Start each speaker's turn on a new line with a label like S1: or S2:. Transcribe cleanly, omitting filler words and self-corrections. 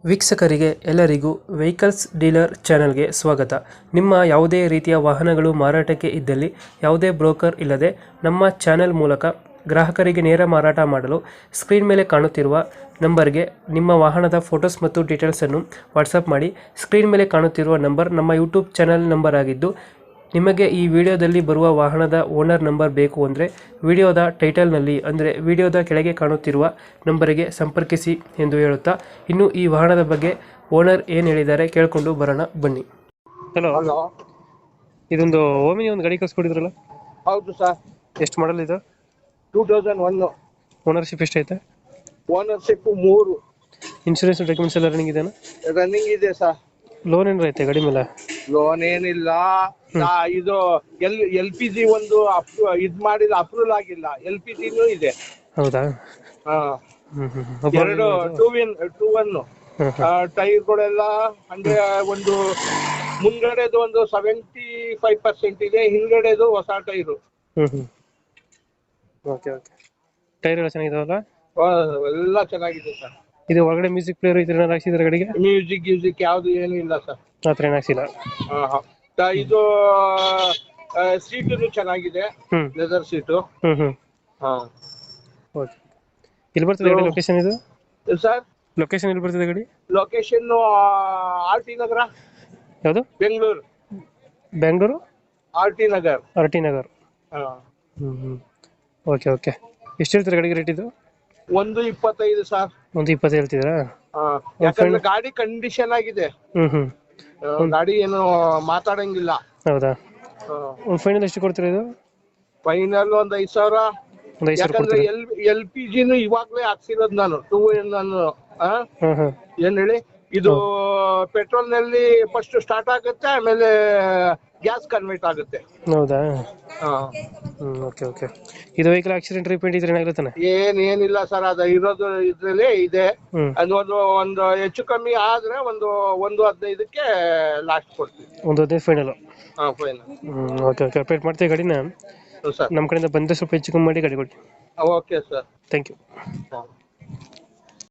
S1: ವೀಕ್ಷಕರಿಗೆ ಎಲ್ಲರಿಗೂ vehicles dealer ಚಾನೆಲ್ಗೆ ಸ್ವಾಗತ. ನಿಮ್ಮ ಯಾವುದೇ ರೀತಿಯ ವಾಹನಗಳು ಮಾರಾಟಕ್ಕೆ ಇದ್ದಲ್ಲಿ ಯಾವುದೇ ಬ್ರೋಕರ್ ಇಲ್ಲದೆ ನಮ್ಮ ಚಾನೆಲ್ ಮೂಲಕ ಗ್ರಾಹಕರಿಗೆ ನೇರ ಮಾರಾಟ ಮಾಡಲು ಸ್ಕ್ರೀನ್ ಮೇಲೆ ಕಾಣುತ್ತಿರುವ ನಂಬರ್ಗೆ ನಿಮ್ಮ ವಾಹನದ ಫೋಟೋಸ್ ಮತ್ತು ಡೀಟೇಲ್ಸನ್ನು ವಾಟ್ಸಪ್ ಮಾಡಿ. ಸ್ಕ್ರೀನ್ ಮೇಲೆ ಕಾಣುತ್ತಿರುವ ನಂಬರ್ ನಮ್ಮ ಯೂಟ್ಯೂಬ್ ಚಾನೆಲ್ ನಂಬರ್ ಆಗಿದ್ದು, ನಿಮಗೆ ಈ ವಿಡಿಯೋದಲ್ಲಿ ಬರುವ ವಾಹನದ ಓನರ್ ನಂಬರ್ ಬೇಕು ಅಂದರೆ ವಿಡಿಯೋದ ಟೈಟಲ್ನಲ್ಲಿ ಅಂದರೆ ವಿಡಿಯೋದ ಕೆಳಗೆ ಕಾಣುತ್ತಿರುವ ನಂಬರಿಗೆ ಸಂಪರ್ಕಿಸಿ ಎಂದು ಹೇಳುತ್ತಾ, ಇನ್ನು ಈ ವಾಹನದ ಬಗ್ಗೆ ಓನರ್ ಏನು ಹೇಳಿದ್ದಾರೆ ಕೇಳಿಕೊಂಡು ಬರೋಣ ಬನ್ನಿ. Hello,
S2: hello.
S1: ಇದೊಂದು ಓಮಿನಿ ಒಂದು ಗಾಡಿ ಕಳ್ಸ್ಕೊಡಿದ್ರಲ್ಲ,
S2: ಹೌದು ಸರ್.
S1: ಎಷ್ಟು ಮಾಡಲ್ ಇದು?
S2: 2001.
S1: ಓನರ್ಶಿಪ್ ಎಷ್ಟೈತೆ?
S2: ಓನರ್ಶಿಪ್ 3.
S1: ಇನ್ಶೂರೆನ್ಸ್ ಡಾಕ್ಯುಮೆಂಟ್ಸ್ ಎಲ್ಲ ರನ್ನಿಂಗ್ ಇದೆಯಾ?
S2: ರನ್ನಿಂಗ್ ಇದೆ ಸರ್.
S1: ಲೋನ್ ಏನಾರ ಐತೆ ಗಾಡಿ ಮೇಲೆ?
S2: ಲೋನ್ ಏನಿಲ್ಲ. ಇದು LPG ಒಂದು ಇದ್ ಮಾಡಿಲ್ಲ, ಅಪ್ರೂವಲ್ ಆಗಿಲ್ಲ. LPGನೂ ಇದೆ.
S1: ಹೌದಾ?
S2: ಹಾ. ಎರಡು 2-1 ಟೈರ್ಗಳೆಲ್ಲ ಅಂದ್ರೆ ಒಂದು ಮುಂದ್ಗಡೆದು ಒಂದು 75% ಇದೆ, ಹಿಂದ್ಗಡೆದು ಹೊಸ ಟೈರು.
S1: Okay okay. ಟೈರ್ ಎಲ್ಲ ಚೆನ್ನಾಗಿದಾವಲ್ಲ?
S2: ಎಲ್ಲ ಚೆನ್ನಾಗಿದೆ ಸರ್.
S1: ಇದು ಒಳಗಡೆ ಮ್ಯೂಸಿಕ್ ಪ್ಲೇಯರ್ ಇದ್ರೆ ಏನಾರು ಹಾಕ್ಸಿದ್ರೆ ಗಾಡಿಗೆ?
S2: ಮ್ಯೂಸಿಕ್ ಯಾವ್ದು ಏನು ಇಲ್ಲ ಸರ್.
S1: ಆತರ ಏನು ಹಾಕ್ಸಿಲ್ಲ?
S2: ಇದು ಸೀಟು ಚೆನ್ನಾಗಿದೆ, ಲೆದರ್ ಸೀಟು. ಹಾ.
S1: ಓಕೆ. ಎಲ್ಲಿ ಬರ್ತದೆ ಗಾಡಿ ಲೊಕೇಶನ್ ಇದು?
S2: ಸರ್,
S1: ಲೊಕೇಶನ್ ಎಲ್ಲಿ ಬರ್ತದೆ ಗಾಡಿ?
S2: ಲೊಕೇಶನ್ RT ನಗರ,
S1: ಯಾವುದು?
S2: ಬೆಂಗಳೂರು. RT ನಗರ್.
S1: ಹಾ. Okay okay. ಎಷ್ಟು ಹೇಳ್ತೀರಾ ಗಾಡಿಗೆ ರೇಟ್ ಇದು?
S2: 1.25 ಸರ್.
S1: 1.20 ಹೇಳ್ತಿದ್ದೀರಾ?
S2: ಯಾಕಂದ್ರೆ ಗಾಡಿ ಕಂಡೀಷನ್ ಆಗಿದೆ. ಗಾಡಿ ಏನು ಮಾತಾಡಂಗಿಲ್ಲ.
S1: ಹೌದಾ? ಒಂದು ಫೈನಲ್ ಎಷ್ಟು ಕೊಡ್ತೀರಾ ಇದು?
S2: ಫೈನಲ್ ಒಂದು 5,000. ಯಾಕಂದ್ರೆ LPGನೂ ಇವಾಗ್ಲೇ ಹಾಕ್ಸಿರೋದು ನಾನು. ನಾನು ಏನ್ ಹೇಳಿ, ಇದು ಪೆಟ್ರೋಲ್ ನಲ್ಲಿ ಫಸ್ಟ್ ಸ್ಟಾರ್ಟ್ ಆಗುತ್ತೆ, ಆಮೇಲೆ ಗ್ಯಾಸ್ ಕನ್ವರ್ಟ್ ಆಗುತ್ತೆ.
S1: ಹೌದಾ? Okay okay. ಇದು ವೆಹಿಕಲ್ ಆಕ್ಸಿಡೆಂಟ್ ರಿಪೇಂಟ್ ಇದ್ರೆ ಏನಾಗುತ್ತೆ?
S2: ಏನಿಲ್ಲ ಸರ್, ಅದು ಇರೋದು ಇದ್ರಲ್ಲೇ ಇದೆ. ಅದು ಒಂದು ಹೆಚ್ಚು ಕಮ್ಮಿ ಆದ್ರೆ ಒಂದು 1.15ಕ್ಕೆ ಲಾಸ್ಟ್ ಕೊಡ್ತೀವಿ.
S1: 1.15 ಫೈನಲ್?
S2: ಹಾ, ಫೈನಲ್.
S1: Okay okay. ಅಪ್ಡೇಟ್ ಮಾಡ್ತೀವಿ ಗಾಡಿನ.
S2: ಸರ್,
S1: ನಮ್ಮ ಕಡೆಯಿಂದ ಬಂದರೆ ಸ್ವಲ್ಪ ಹೆಚ್ಚು ಕಮ್ಮಿ ಮಾಡಿ ಗಾಡಿ ಕೊಡಿ.
S2: Okay sir.
S1: Thank you.